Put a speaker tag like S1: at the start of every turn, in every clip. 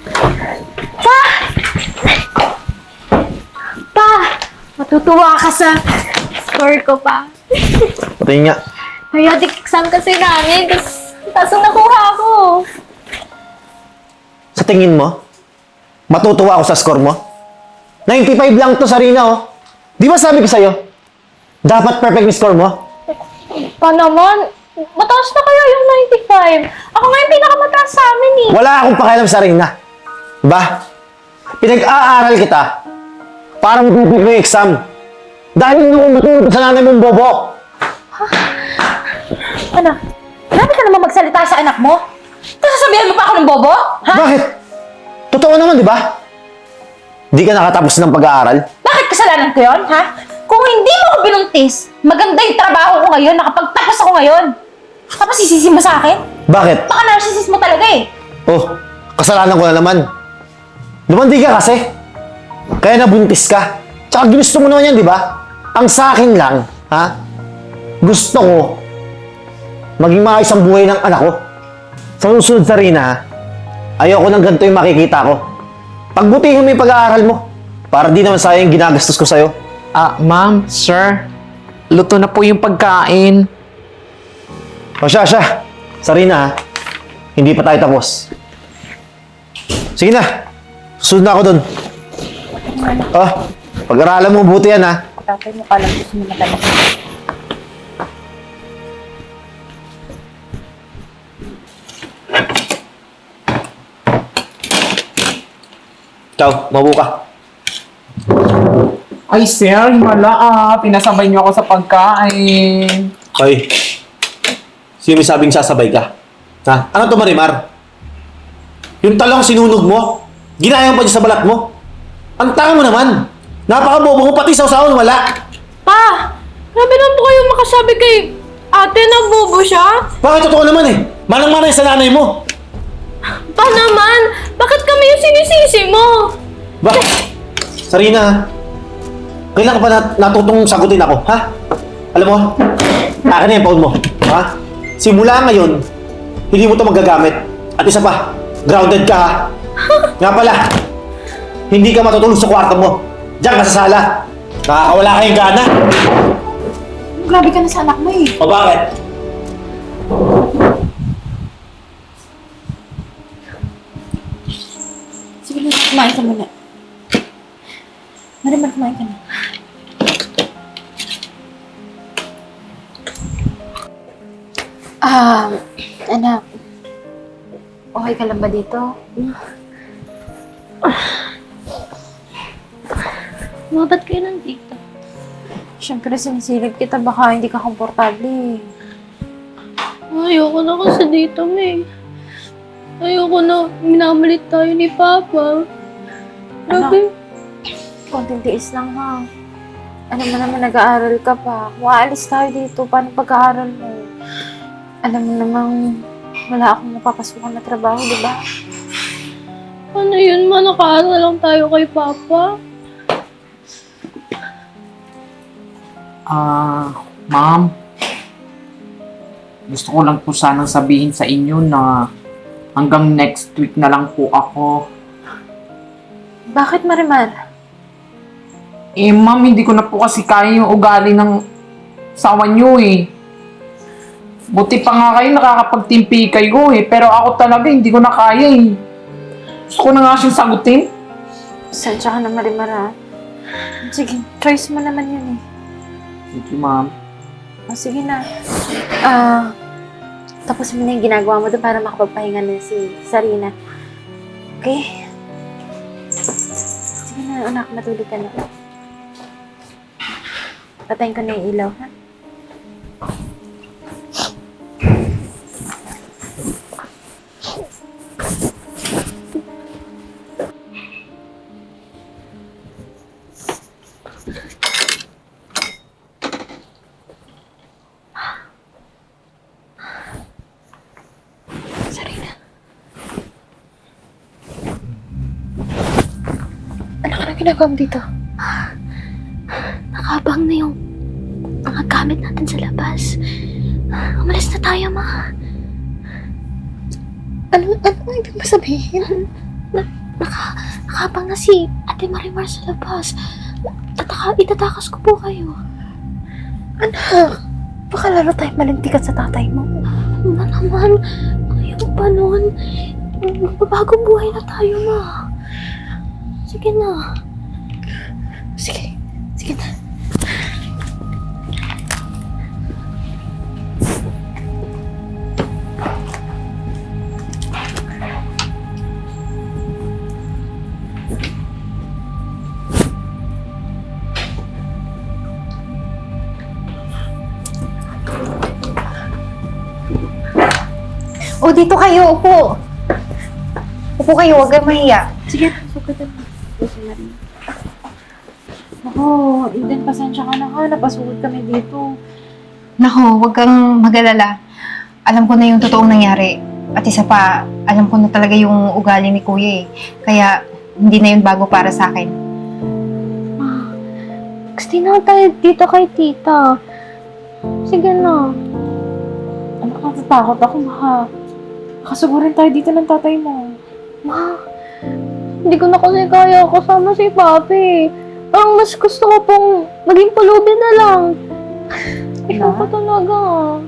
S1: Pa! Pa! Matutuwa ka sa score ko, pa.
S2: Patingin nga.
S1: Periodic exam kasi namin, kaso nakuha ko.
S2: Sa tingin mo, matutuwa ako sa score mo? 95 lang to, Sarina, oh. Di ba sabi ko sa'yo, dapat perfect yung score mo?
S1: Pa naman, mataas na kaya yung 95. Ako nga yung pinakamataas sa amin eh.
S2: Wala akong pakialam, Sarina. Ba? Pinag-aaral kita para mag-perfect mo yung exam. Dahil nung matulog sa nanay mong bobo.
S1: Anak, grabe ka naman magsalita sa anak mo. Tapos sasabihan mo pa ako ng bobo? Ha?
S2: Bakit? Totoo naman, di ba? Di ka nakatapos ng pag-aaral?
S1: Bakit kasalanan ko yun, ha? Kung hindi mo ako binuntis, maganda yung trabaho ko ngayon, nakapagtapos ako ngayon. Tapos sisisi mo sa akin?
S2: Bakit?
S1: Baka narcissist mo talaga eh.
S2: Oh, kasalanan ko na naman. Lumandi ka kasi. Kaya nabuntis ka. Tsaka ginusto mo naman yan, di ba? Ang sa akin lang, ha? Gusto ko maging maayos ang buhay ng anak ko. Sa susunod, Sarina, ha? Ayoko ng ganito yung makikita ko. Pagbutihin mo yung pag-aaral mo para di naman sayang ginagastos ko sa'yo.
S3: Ma'am, sir, luto na po yung pagkain.
S2: O siya. Sarina, ha? Hindi pa tayo tapos. Sige na. Susunod na ako dun. Oh, pag-aralan mo buti yan, ha?
S1: Tatay mo ka lang gusto mo matanong.
S2: Ciao, mabuka.
S3: Ay, sir, himala pinasabay niyo ako sa pagkain.
S2: Hoy, sino may sabing sasabay ka? Ha? Ano to, Marimar? Yung talong sinunog mo, ginayang pa niya sa balat mo. Ang tanga mo naman. Napakabobo mo, pati sausawan wala.
S1: Pa! Grabe naman po kayo makasabi kay ate na bobo siya.
S2: Bakit totoo naman eh? Manang-manay sa nanay mo.
S1: Pa naman! Bakit kami yung sinisisi mo?
S2: Bakit? Sarina, ha? Kailan ka pa natutong sagutin ako, ha? Alam mo, akin na yung phone mo, ha? Simula ngayon, hindi mo to magagamit. At isa pa, grounded ka, ha? Nga pala, hindi ka matutulog sa kwarto mo. Diyan ka sa sala. Nakakawala kayong gana.
S1: Grabe ka na sa anak mo eh.
S2: O bakit?
S1: Sige na, kumain ka muna. Marimar, kumain ka na. Anak. Okay ka lang ba dito? Ba't kayo nandito? Siyempre, sinisilip kita. Baka hindi ka komportable.
S4: Ayoko na kasi dito, May. Ayoko na minamalit tayo ni Papa. Grabe.
S1: Konting tiis lang, ha? Ano mo naman, nag-aaral ka pa. Kung aalis tayo dito, paano pag-aaral mo? Alam mo namang wala akong mapapasukan na trabaho, di ba?
S4: Ano yun, ma? Nakaaral lang tayo kay Papa.
S3: Ma'am, gusto ko lang po sanang sabihin sa inyo na hanggang next week na lang po ako.
S1: Bakit, Marimar?
S3: Ma'am, hindi ko na po kasi kaya yung ugali ng sawa niyo eh. Buti pa nga kayo, nakakapagtimpi kayo eh. Pero ako talaga, hindi ko na kaya eh. Gusto ko na nga siyang sagutin.
S1: Sensya ka na, Marimar, ha? Sige, choice mo naman yun eh.
S3: Thank you, ma'am.
S1: Sige na. Tapos mo na yung ginagawa mo doon para makapagpahinga na si Sarina. Okay? Sige na, anak. Matulog ka na. Patayin ko na yung ilaw, ha? Ginagawa mo dito?
S4: Nakabang na yung mga gamit natin sa labas. Umalis na tayo, ma.
S1: Ano ibig mo sabihin?
S4: Nakabang na si Ate Marimar sa labas. Itatakas ko po kayo.
S1: Anak, baka lalo tayo malintikan sa tatay mo.
S4: Ma naman, ayaw pa nun. Magbabagong buhay na tayo, ma. Sige na.
S1: Sige, sige na.
S5: O, dito kayo, upo. Upo kayo, huwag kayong mahiya.
S1: Sige, sugatan mo. Ako, Eden, pasensya ka na ha. Napasugod kami dito.
S5: Nako, huwag kang mag-alala. Alam ko na yung totoong nangyari. At isa pa, alam ko na talaga yung ugali ni Kuya eh. Kaya, hindi na yun bago para sa akin.
S4: Ma, gusto na tayo dito kay tita. Sige na.
S1: Anak, natatakot ako, ha. Nakasugurin tayo dito ng tatay mo.
S4: Ma, hindi ko na kasi kaya kasama si Papi. Parang mas gusto ko pong maging pulubi na lang. Ikaw pa talaga.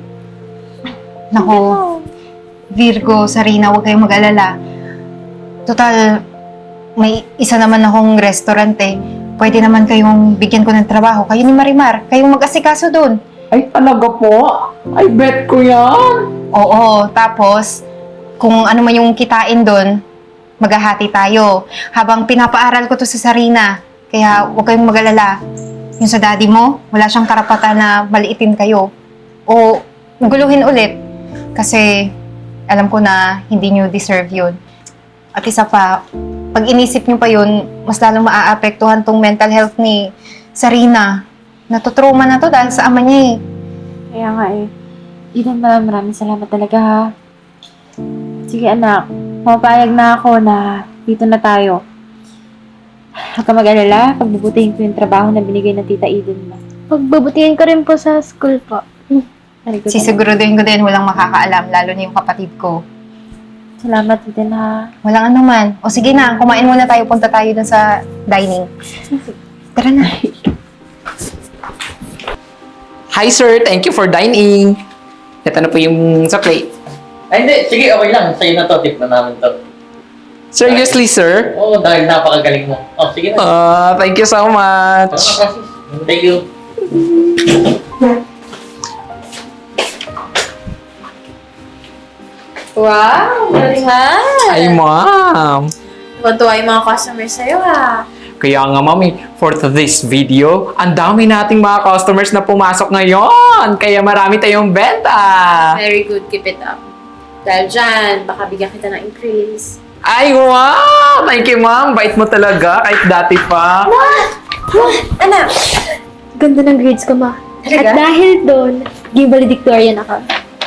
S5: Nako, Virgo, Sarina, huwag kayong mag-alala. Total, may isa naman akong restaurant eh. Pwede naman kayong bigyan ko ng trabaho. Kayo ni Marimar, kayong mag-asikaso doon.
S3: Ay, talaga po? Ay, bet ko yan.
S5: Oo, tapos, kung ano man yung kitain doon, maghahati tayo. Habang pinapaaral ko to sa Sarina, kaya huwag kayong mag-alala. Yung sa daddy mo, wala siyang karapatan na maliitin kayo. O guluhin ulit. Kasi alam ko na hindi nyo deserve yun. At isa pa, pag inisip nyo pa yun, mas lalong maaapektuhan tong mental health ni Sarina. Natutrauma na to dahil sa ama niya eh.
S1: Kaya nga eh. Eden, maraming salamat talaga, ha. Sige, anak. Mapapayag na ako na dito na tayo. Huwag ka mag-alala. Pagbubutihin ko yung trabaho na binigay ng Tita Eden mo.
S4: Pagbabutihin ko rin po sa school po.
S1: Very good, anak.
S5: Sisiguruduhin ko din walang makakaalam, lalo na yung kapatid ko.
S1: Salamat, Eden, ha.
S5: Walang anuman. O sige na, kumain muna tayo. Punta tayo dun sa dining. Tara na.
S3: Hi, sir. Thank you for dining. Ito na po yung sa plate.
S6: Ay, hindi. Sige, okay lang. Sa'yo na to. Tip na namin to.
S3: Seriously, sir?
S6: Oo, dahil napakagaling mo. Oh, sige na.
S3: Thank you so much.
S6: Thank you.
S1: Wow, galing, ha.
S3: Ay, ma'am.
S1: Tuwa yung mga customers sa'yo, ha.
S3: Kaya nga, mami, for this video, ang dami nating mga customers na pumasok ngayon. Kaya marami tayong benta.
S1: Very good, keep it up. Dahil dyan, baka bigyan kita ng increase.
S3: Ay, wow! Thank you, ma'am. Bait mo talaga, kahit dati pa.
S1: Anak!
S4: Ganda ng grades ko, ma.
S1: Talaga?
S4: At dahil doon, naging valedictorian ako.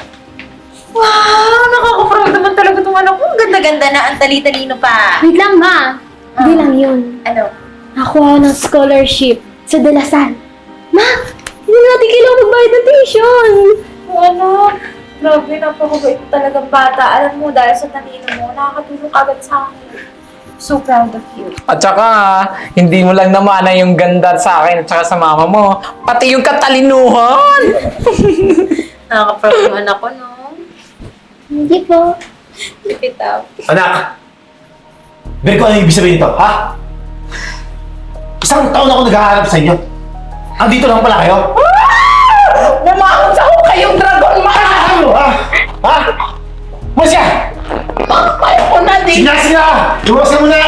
S1: Wow! Nakaka-proud naman talaga itong anak ko. Ang ganda-ganda na, ang tali-talino pa.
S4: Wait lang, ma. Hindi lang yun.
S1: Ano?
S4: Nakuha ng scholarship sa Dalasan. Ma, hindi natin kailangan magbayad ng tuition.
S1: Anak, grabe, napakabait mo talagang bata. Alam mo, dahil sa talino mo, nakakatulong agad sa akin. So proud of you.
S3: At saka, hindi mo lang namana yung ganda sa akin at saka sa mama mo. Pati yung katalinuhan!
S1: Nakaka-proud yung anak ko, no?
S4: Hindi po.
S1: Keep it up.
S2: Anak! Virgo, ano yung ibig sabihin nito, ha? Isang taon ako nag-aaral sa inyo. Andito lang pala kayo?
S3: Bumangon sa kayong dragon, ma'am!
S2: Ano, ha? Ha? Masya!
S3: Papayo ko na din!
S2: Sina! Luwas ka muna!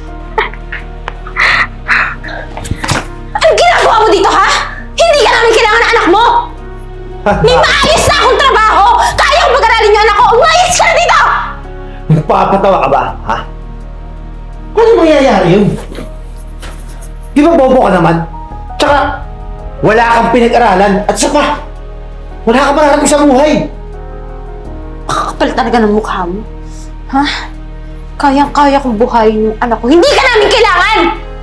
S5: Anong ginagawa mo dito, ha? Hindi ka namin kailangan ng anak mo! May maayos na akong trabaho! Kaya kong pag-aralin yung anak ko! Umayos ka na dito!
S2: Nagpapatawa ka ba, ha? Ano mangyayari yun? Di ba bobo ka naman? Tsaka, wala kang pinag-aralan at isa pa, wala kang mararating sa buhay.
S1: Kakapal talaga ng mukha mo. Ha? Kayang-kaya kong buhayin yung anak ko. Hindi ka namin kailangan!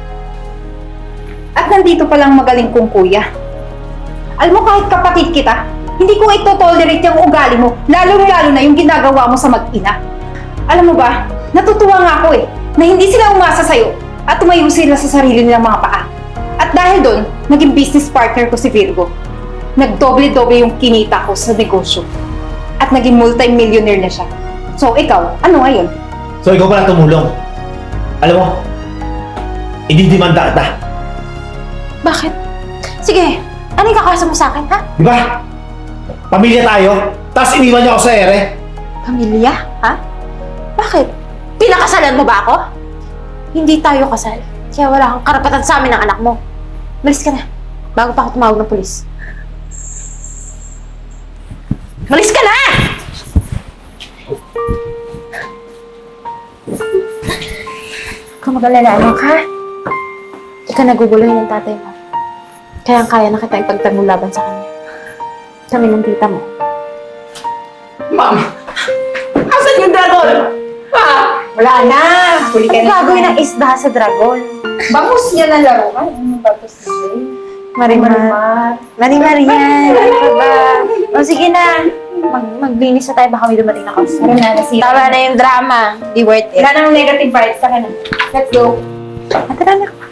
S5: At nandito palang magaling kong kuya. Alam mo, kahit kapatid kita, hindi ko ito-tolerate yung ugali mo, lalo-lalo na yung ginagawa mo sa mag-ina. Alam mo ba, natutuwa nga ako eh, na hindi sila umasa sa'yo at tumayo sila sa sarili nilang mga paa. At dahil doon, naging business partner ko si Virgo. Nagdoble-doble yung kinita ko sa negosyo. At naging multi-millionaire na siya. So, ikaw, ano ngayon?
S2: So, ikaw pala tumulong. Alam mo, ididimanda kita.
S1: Bakit? Sige, ano yung kakaso mo sa akin, ha?
S2: Di ba? Pamilya tayo, tapos iniwan niyo ako sa ere.
S1: Pamilya, ha? Bakit? Pinakasalan mo ba ako? Hindi tayo kasal. Kaya wala kang karapatan sa amin ng anak mo. Malis ka na. Bago pa ako tumawag ng pulis. Malis ka na! Kung mag-alala, anak, ha? Ikaw naguguluhin ng tatay mo. Kaya kaya na kita ipagtanggol laban sa kanya. Kami ng tita mo.
S3: Ma'am, asan yung dragon? Ha?
S5: Wala na! Huli ka na.
S1: Gagawin ng isda sa dragon.
S5: Bangus niya na laro. Ay, ano bangus niya?
S1: Marimar. Marimar yan. Ano ka ba? O sige na. Maglinis na tayo. Baka may dumating na kasi.
S5: Tara na, nasira.
S1: Tama na yung drama. Di worth it.
S5: Wala nang negative vibes. Tara na. Let's go.
S1: Tara na.